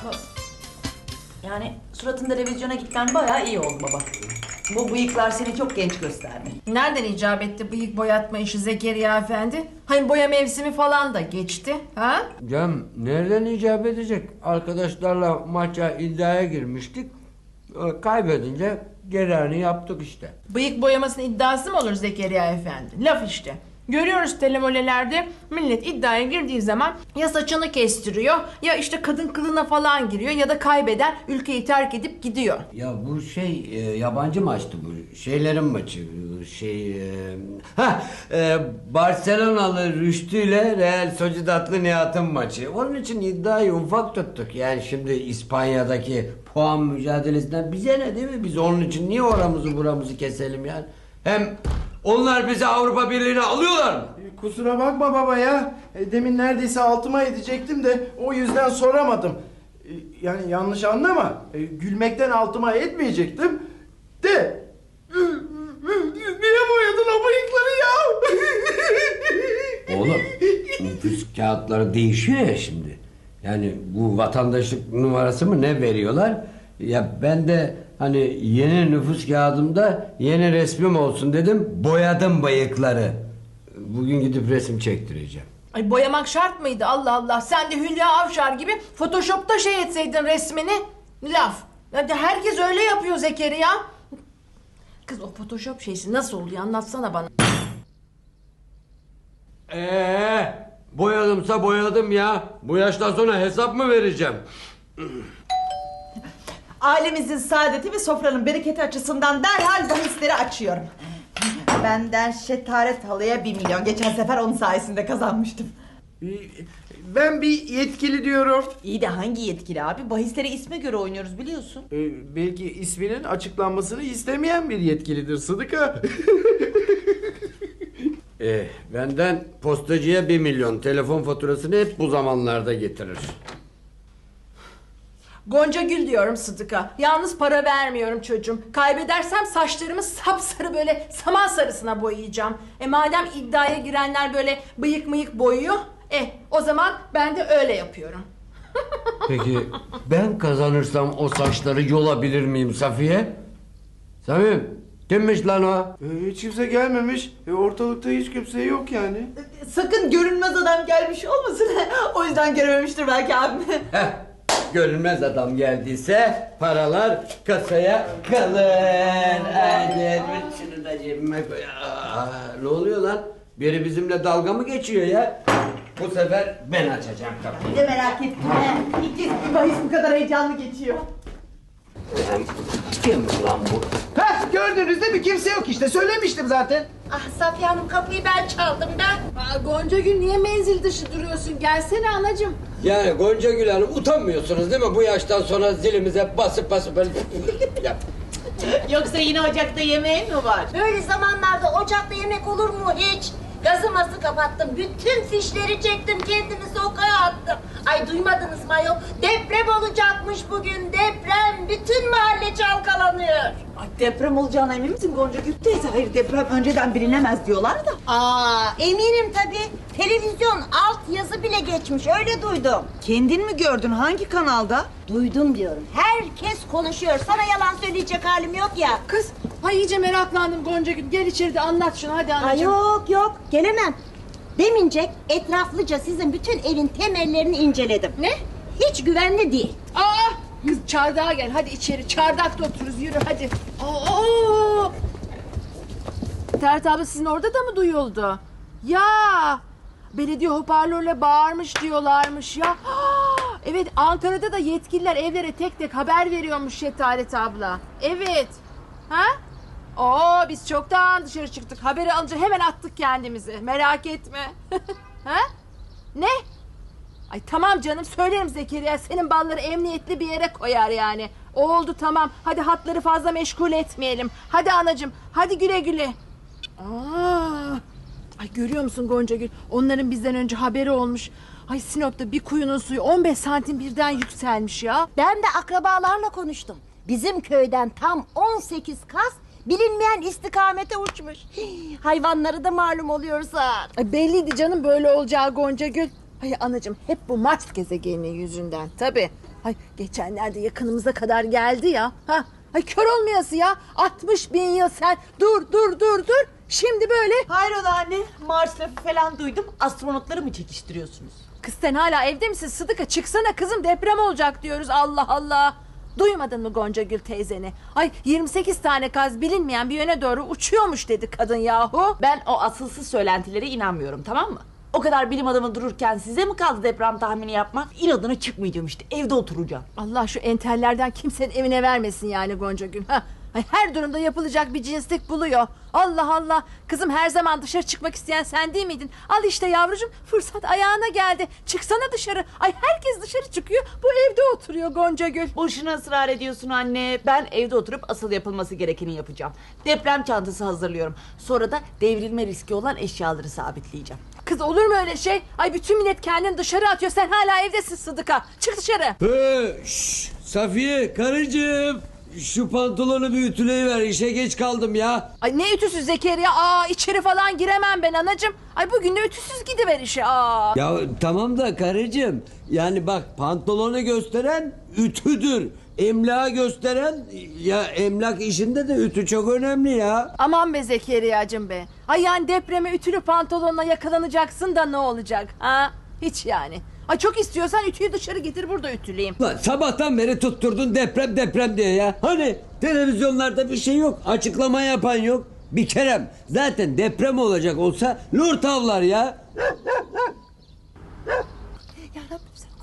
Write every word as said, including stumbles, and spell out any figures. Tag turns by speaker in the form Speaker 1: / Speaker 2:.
Speaker 1: Yani suratın televizyona gitmen bayağı iyi oldu baba. Bu bıyıklar seni çok genç gösterdi.
Speaker 2: Nereden icap etti bıyık boyatma işi Zekeriya Efendi? Hani boya mevsimi falan da geçti. Ha?
Speaker 3: Cem nereden icap edecek? Arkadaşlarla maça iddiaya girmiştik. Ee, Kaybedince gereğini yaptık işte.
Speaker 2: Bıyık boyamasının iddiası mı olur Zekeriya Efendi? Laf işte. Görüyoruz telemolelerde millet iddiaya girdiği zaman ya saçını kestiriyor ya işte kadın kılığına falan giriyor ya da kaybeden ülkeyi terk edip gidiyor.
Speaker 3: Ya bu şey e, yabancı maçtı bu. Şeylerin maçı. Şey e, ha e, Barcelonalı Rüştü ile Real Sociedad'lı Nihat'ın maçı. Onun için iddiayı ufak tuttuk. Yani şimdi İspanya'daki puan mücadelesinden bize ne değil mi? Biz onun için niye oramızı buramızı keselim yani? Hem onlar bizi Avrupa Birliği'ne alıyorlar mı?
Speaker 4: Kusura bakma baba ya. E, Demin neredeyse altıma edecektim de o yüzden soramadım. E, Yani yanlış anlama. E, Gülmekten altıma etmeyecektim. De. Niye boyadın o bıyıkları ya?
Speaker 3: Oğlum nüfus kağıtları değişiyor ya şimdi. Yani bu vatandaşlık numarası mı ne veriyorlar? Ya ben de hani yeni nüfus kağıdımda yeni resmim olsun dedim. Boyadım bıyıkları. Bugün gidip resim çektireceğim.
Speaker 2: Ay boyamak şart mıydı Allah Allah? Sen de Hülya Avşar gibi Photoshop'ta şey etseydin resmini. Laf. Hadi herkes öyle yapıyor Zekeriya. Kız o Photoshop şeysi nasıl oluyor anlatsana bana.
Speaker 3: Ee, boyadımsa boyadım ya. Bu yaştan sonra hesap mı vereceğim?
Speaker 1: Ailemizin saadeti ve sofranın bereketi açısından derhal bahisleri açıyorum. Benden Şetaret Halı'ya bir milyon. Geçen sefer onun sayesinde kazanmıştım.
Speaker 4: E, Ben bir yetkili diyorum.
Speaker 1: İyi de hangi yetkili abi? Bahisleri isme göre oynuyoruz biliyorsun.
Speaker 4: E, Belki isminin açıklanmasını istemeyen bir yetkilidir Sıdıka.
Speaker 3: Eh, benden postacıya bir milyon. Telefon faturasını hep bu zamanlarda getirir.
Speaker 2: Gonca Gül diyorum Sıdık'a. Yalnız para vermiyorum çocuğum. Kaybedersem saçlarımı sapsarı böyle saman sarısına boyayacağım. E madem iddiaya girenler böyle bıyık mıyık boyuyor. E o zaman ben de öyle yapıyorum.
Speaker 3: Peki ben kazanırsam o saçları yolabilir miyim Safiye? Samim kimmiş lan o?
Speaker 4: E, Hiç kimse gelmemiş. E, Ortalıkta hiç kimse yok yani.
Speaker 1: Sakın görünmez adam gelmiş olmasın. O yüzden görememiştir belki abim.
Speaker 3: Heh, görünmez adam geldiyse paralar kasaya kalır. Hadi şunu da cebime koy. Aa, ne oluyor lan? Biri bizimle dalga mı geçiyor ya? Bu sefer ben açacağım kapıyı.
Speaker 1: Bir de merak etme. İlk kez bir bahis bu kadar heyecanlı geçiyor.
Speaker 3: Kim lan bu?
Speaker 5: Heh, gördünüz değil mi? Kimse yok işte. Söylemiştim zaten.
Speaker 6: Ah Safiye Hanım kapıyı ben çaldım da.
Speaker 2: Aa, Gonca Gül niye menzil dışı duruyorsun? Gelsene anacığım.
Speaker 3: Yani Gonca Gül Hanım utanmıyorsunuz değil mi? Bu yaştan sonra zilimize basıp basıp böyle yap.
Speaker 1: Yoksa yine ocakta yemeğin mi var?
Speaker 6: Böyle zamanlarda ocakta yemek olur mu hiç? Gazımızı kapattım. Bütün fişleri çektim. Kendimi sokağa attım. Ay duymadınız mı ayol? Deprem olacakmış bugün. Deprem. Bütün mahalle çalkalanıyor.
Speaker 1: Ay deprem olacağına emin misin Gonca Gül teyze? Hayır deprem önceden bilinemez diyorlar da.
Speaker 6: Aa eminim tabii. Televizyon alt yazı bile geçmiş. Öyle duydum.
Speaker 1: Kendin mi gördün? Hangi kanalda?
Speaker 6: Duydum diyorum. Herkes konuşuyor. Sana yalan söyleyecek halim yok ya.
Speaker 2: Kız ay iyice meraklandım Gonca Gül. Gel içeride anlat şunu hadi
Speaker 6: Ay
Speaker 2: anacığım.
Speaker 6: yok yok gelemem. Demince etraflıca sizin bütün evin temellerini inceledim.
Speaker 2: Ne?
Speaker 6: Hiç güvenli değil.
Speaker 2: Aa! Kız çardağa gel hadi içeri. Çardakta otururuz yürü hadi. Aa! Ferhat abla sizin orada da mı duyuldu? Ya! Belediye hoparlörle bağırmış diyorlarmış ya. Aa! Evet Ankara'da da yetkililer evlere tek tek haber veriyormuş Şetaret abla. Evet. Ha? Oo biz çoktan dışarı çıktık. Haberi alınca hemen attık kendimizi. Merak etme. Ha? Ne? Ay tamam canım söylerim Zekeriya. Senin balları emniyetli bir yere koyar yani. Oldu tamam. Hadi hatları fazla meşgul etmeyelim. Hadi anacığım. Hadi güle güle. Aa, ay görüyor musun Gonca Gül? Onların bizden önce haberi olmuş. Ay Sinop'ta bir kuyunun suyu on beş santim birden yükselmiş ya.
Speaker 6: Ben de akrabalarla konuştum. Bizim köyden tam on sekiz kas bilinmeyen istikamete uçmuş. Hii, hayvanları da malum oluyorsa.
Speaker 2: Ay belliydi canım böyle olacağı Gonca Gül. Ay anacığım hep bu Mars gezegeninin yüzünden tabii. Ay geçenlerde yakınımıza kadar geldi ya. Ha, ay kör olmayası ya. altmış bin yıl sen dur dur dur dur. Şimdi böyle.
Speaker 1: Hayrola anne? Mars lafı falan duydum. Astronotları mı çekiştiriyorsunuz?
Speaker 2: Kız sen hala evde misin Sıdıka? Çıksana kızım, deprem olacak diyoruz. Allah Allah. Duymadın mı Gonca Gül teyzeni? Ay yirmi sekiz tane kaz bilinmeyen bir yöne doğru uçuyormuş dedi kadın yahu.
Speaker 7: Ben o asılsız söylentilere inanmıyorum, tamam mı? O kadar bilim adamı dururken size mi kaldı deprem tahmini yapmak? İnadına çıkmayacağım işte, evde oturacağım.
Speaker 2: Allah şu entellerden kimsenin evine vermesin yani Gonca Gül. Ha. Ay her durumda yapılacak bir cinslik buluyor. Allah Allah. Kızım her zaman dışarı çıkmak isteyen sen değil miydin? Al işte yavrucuğum, fırsat ayağına geldi. Çıksana dışarı. Ay herkes dışarı çıkıyor. Bu evde oturuyor Gonca Gül.
Speaker 7: Boşuna ısrar ediyorsun anne. Ben evde oturup asıl yapılması gerekeni yapacağım. Deprem çantası hazırlıyorum. Sonra da devrilme riski olan eşyaları sabitleyeceğim.
Speaker 2: Kız olur mu öyle şey? Ay bütün millet kendini dışarı atıyor. Sen hala evdesin Sıdıka. Çık dışarı.
Speaker 3: He, şş, Safiye karıcığım. Şu pantolonu bir ütüleyiver, işe geç kaldım ya.
Speaker 2: Ay ne ütüsüz Zekeriya? Aa içeri falan giremem ben anacığım. Ay bugün de ütüsüz gidiver işe. Aa.
Speaker 3: Ya tamam da karıcığım, yani bak pantolonu gösteren ütüdür. Emlağı gösteren, ya emlak işinde de ütü çok önemli ya.
Speaker 2: Aman be Zekeriya'cığım be. Ay yani depreme ütülü pantolonla yakalanacaksın da ne olacak? Ha? Hiç yani. Ay çok istiyorsan ütüyü dışarı getir, burada ütüleyeyim.
Speaker 3: Lan sabahtan beri tutturdun deprem deprem diye ya. Hani televizyonlarda bir şey yok, açıklama yapan yok. Bir kerem zaten deprem olacak olsa lur tavlar ya.
Speaker 2: Ya Rabbim sen